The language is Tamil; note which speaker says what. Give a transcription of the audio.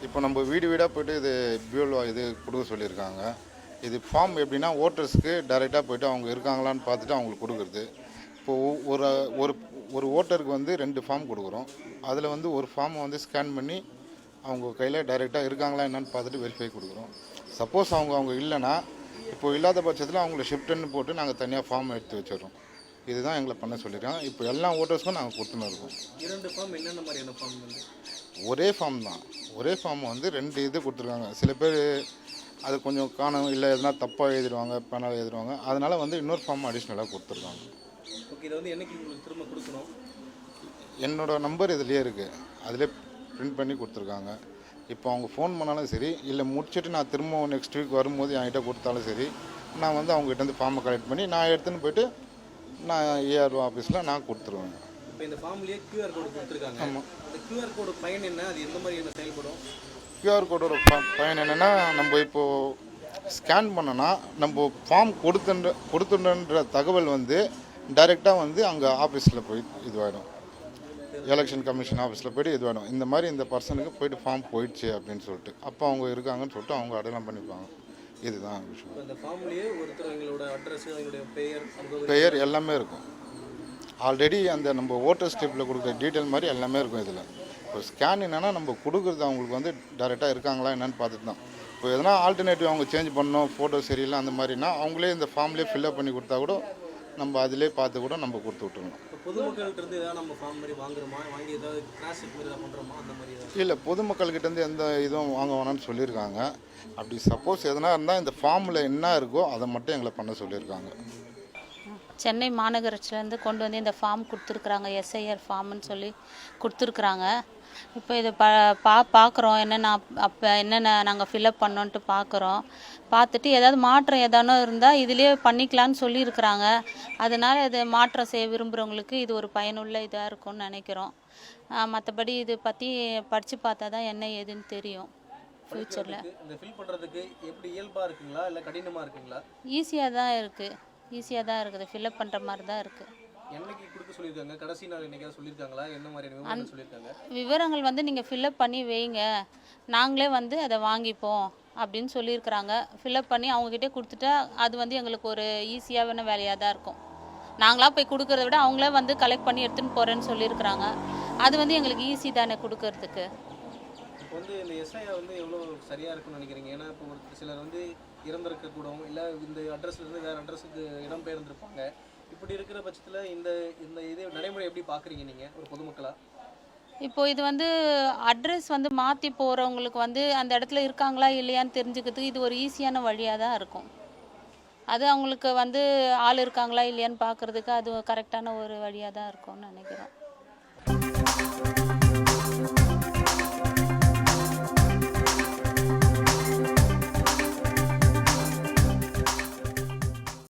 Speaker 1: இப்போ நம்ம வீடு வீடாக போய்ட்டு இது பியூல் இது கொடுக்க சொல்லியிருக்காங்க. இது ஃபார்ம் எப்படின்னா ஓட்டர்ஸ்க்கு டைரெக்டாக போய்ட்டு அவங்க இருக்காங்களான்னு பார்த்துட்டு அவங்களுக்கு கொடுக்குறது. இப்போது ஒரு ஒரு ஒரு ஓட்டருக்கு வந்து 2 ஃபார்ம் கொடுக்குறோம். அதில் வந்து ஒரு ஃபார்மை வந்து ஸ்கேன் பண்ணி அவங்க கையில் டைரெக்டாக இருக்காங்களா என்னன்னு பார்த்துட்டு வெரிஃபை கொடுக்குறோம். சப்போஸ் அவங்க இல்லைன்னா இப்போ இல்லாத பட்சத்தில் அவங்கள ஷிஃப்ட்டுன்னு போட்டு நாங்கள் தனியாக ஃபார்ம் எடுத்து வச்சிடுறோம். இதுதான் எங்களை பண்ண சொல்லியிருக்காங்க. இப்போ எல்லா ஓட்டர்ஸ்க்கும் நாங்கள் கொடுத்துன்னு இருக்கோம்.
Speaker 2: 2 ஃபார்ம் என்னென்ன மாதிரியான ஃபார்ம் வந்து?
Speaker 1: ஒரே ஃபார்ம் தான். ஒரே ஃபார்ம் வந்து 2 இது கொடுத்துருக்காங்க. சில பேர் அது கொஞ்சம் காணும் இல்லை எதுனா தப்பாக எழுதிடுவாங்க, பேனால் எழுதிடுவாங்க. அதனால் வந்து இன்னொரு ஃபார்ம் அடிஷ்னலாக கொடுத்துருக்காங்க.
Speaker 2: ஓகே, இதை வந்து என்னைக்கு உங்களுக்கு திரும்ப கொடுக்கணும்?
Speaker 1: என்னோடய நம்பர் இதுலேயே இருக்குது. அதிலே பிரிண்ட் பண்ணி கொடுத்துருக்காங்க. இப்போ அவங்க ஃபோன் பண்ணாலும் சரி, இல்லை முடிச்சுட்டு நான் திரும்ப நெக்ஸ்ட் வீக் வரும்போது என்கிட்ட கொடுத்தாலும் சரி, நான் வந்து அவங்ககிட்டேருந்து ஃபார்மை கலெக்ட் பண்ணி நான் எடுத்துன்னு போய்ட்டு நான் ஏஆர்ஓ ஆஃபீஸில் நான் கொடுத்துருவேன்.
Speaker 2: இப்போ இந்த ஃபார்ம்லேயே QR கோடு கொடுத்துருக்காங்க.
Speaker 1: ஆமாம்.
Speaker 2: அந்த QR கோடு பயன் என்ன? அது எந்த மாதிரி என்ன செயல்படும்?
Speaker 1: QR கோடோட பயன் என்னென்னா, நம்ம இப்போது ஸ்கேன் பண்ணோன்னா நம்ம ஃபார்ம் கொடுத்துன்ற தகவல் வந்து டைரெக்டாக வந்து அங்கே ஆஃபீஸில் போய் இதுவாகிடும். எலெக்ஷன் கமிஷன் ஆஃபீஸில் போய்ட்டு இதுவாகிடும். இந்த மாதிரி இந்த பர்சனுக்கு போய்ட்டு ஃபார்ம் போயிடுச்சு அப்படின்னு சொல்லிட்டு அப்போ அவங்க இருக்காங்கன்னு சொல்லிட்டு அவங்க அடையாளம் பண்ணிப்பாங்க. இதுதான் விஷயம்.
Speaker 2: இந்த ஃபார்ம்லேயே ஒருத்தர் எங்களோட அட்ரஸ், எங்களுடைய
Speaker 1: பெயர் எல்லாமே இருக்கும். ஆல்ரெடி அந்த நம்ம ஓட்டர் ஸ்லிப்பில் கொடுக்குற டீட்டெயில் மாதிரி எல்லாமே இருக்கும் இதில். இப்போ ஸ்கேன் என்னென்னா நம்ம கொடுக்குறது அவங்களுக்கு வந்து டைரெக்டாக இருக்காங்களா என்னென்னு பார்த்துட்டு தான். இப்போ எதனா ஆல்டர்னேட்டிவ் அவங்க சேஞ்ச் பண்ணணும், ஃபோட்டோ சரியில்லை அந்த மாதிரினா அவங்களே இந்த ஃபார்ம்லேயே ஃபில்அப் பண்ணி கொடுத்தா கூட நம்ம அதிலே பார்த்து கூட நம்ம கொடுத்து விட்டுருணும்.
Speaker 2: பொதுமக்கள்கிட்ட ஏதாவது நம்ம ஃபார்ம் மாதிரி வாங்குறோமா, வாங்கி ஏதாவது கிராஸ் செக் மாதிரி பண்ணுறோமா அந்த மாதிரி?
Speaker 1: இல்லை, பொதுமக்கள்கிட்டேருந்து எந்த இதுவும் வாங்க வேணாம்னு சொல்லியிருக்காங்க. அப்படி சப்போஸ் எதனா இருந்தால் இந்த ஃபார்மில் என்ன இருக்கோ அதை மட்டும் எங்களை பண்ண சொல்லியிருக்காங்க.
Speaker 3: சென்னை மாநகராட்சியிலேருந்து கொண்டு வந்து இந்த ஃபார்ம் கொடுத்துருக்குறாங்க. எஸ்ஐஆர் ஃபார்ம்னு சொல்லி கொடுத்துருக்குறாங்க. இப்போ இதை பார்க்குறோம் என்னென்ன அப்போ என்னென்ன நாங்கள் ஃபில்அப் பண்ணோன்ட்டு பார்க்குறோம். பார்த்துட்டு ஏதாவது மாற்றம் ஏதானோ இருந்தால் இதிலே பண்ணிக்கலான்னு சொல்லியிருக்கிறாங்க. அதனால் இது மாற்றம் செய்ய விரும்புகிறவங்களுக்கு இது ஒரு பயனுள்ள இதாக இருக்கும்னு நினைக்கிறோம். மற்றபடி இது பற்றி படித்து பார்த்தா தான் என்ன ஏதுன்னு தெரியும் ஃப்யூச்சரில்.
Speaker 2: இந்த ஃபில் பண்ணுறதுக்கு எப்படி இயல்பாக இருக்குங்களா இல்லை கடினமாக இருக்குங்களா?
Speaker 3: ஈஸியாக தான் இருக்குது. ஃபில்அப் பண்ணுற மாதிரி தான் இருக்குது.
Speaker 2: என்னைக்கு கொடுக்க சொல்லியிருக்காங்க? கடைசி நாள் என்னைக்காவது சொல்லியிருக்காங்களா? என்ன மாதிரியான விவரங்கள் சொல்லியிருக்காங்க?
Speaker 3: விவரங்கள் வந்து நீங்கள் ஃபில்அப் பண்ணி வைங்க, நாங்களே வந்து அதை வாங்கிப்போம் அப்படின்னு சொல்லியிருக்கிறாங்க. ஃபில்அப் பண்ணி அவங்கக்கிட்டே கொடுத்துட்டா அது வந்து எங்களுக்கு ஒரு ஈஸியான வேலையாக தான் இருக்கும். நாங்களாக போய் கொடுக்கறத விட அவங்களே வந்து கலெக்ட் பண்ணி எடுத்துன்னு போகிறேன்னு சொல்லியிருக்கிறாங்க. அது வந்து எங்களுக்கு ஈஸி தானே கொடுக்கறதுக்கு.
Speaker 2: இப்போ வந்து இந்த எஸ்ஐஆர் வந்து எவ்வளோ சரியாக இருக்குன்னு நினைக்கிறீங்க? ஏன்னா இப்போ ஒரு சிலர் வந்து இறந்திருக்கக்கூடும், இல்லை இந்த அட்ரஸ்லேருந்து வேறு அட்ரஸுக்கு இடம்பெயர்ந்திருப்பாங்க. இப்படி இருக்கிற பட்சத்தில் இந்த இந்த இது நடைமுறை எப்படி பார்க்குறீங்க நீங்கள் ஒரு பொதுமக்களாக?
Speaker 3: இப்போது இது வந்து அட்ரஸ் வந்து மாற்றி போகிறவங்களுக்கு வந்து அந்த இடத்துல இருக்காங்களா இல்லையான்னு தெரிஞ்சுக்கிறதுக்கு இது ஒரு ஈஸியான வழியாக தான் இருக்கும். அது அவங்களுக்கு வந்து ஆள் இருக்காங்களா இல்லையான்னு பார்க்குறதுக்கு அது கரெக்டான ஒரு வழியாக தான் இருக்கும்னு நினைக்கிறோம்.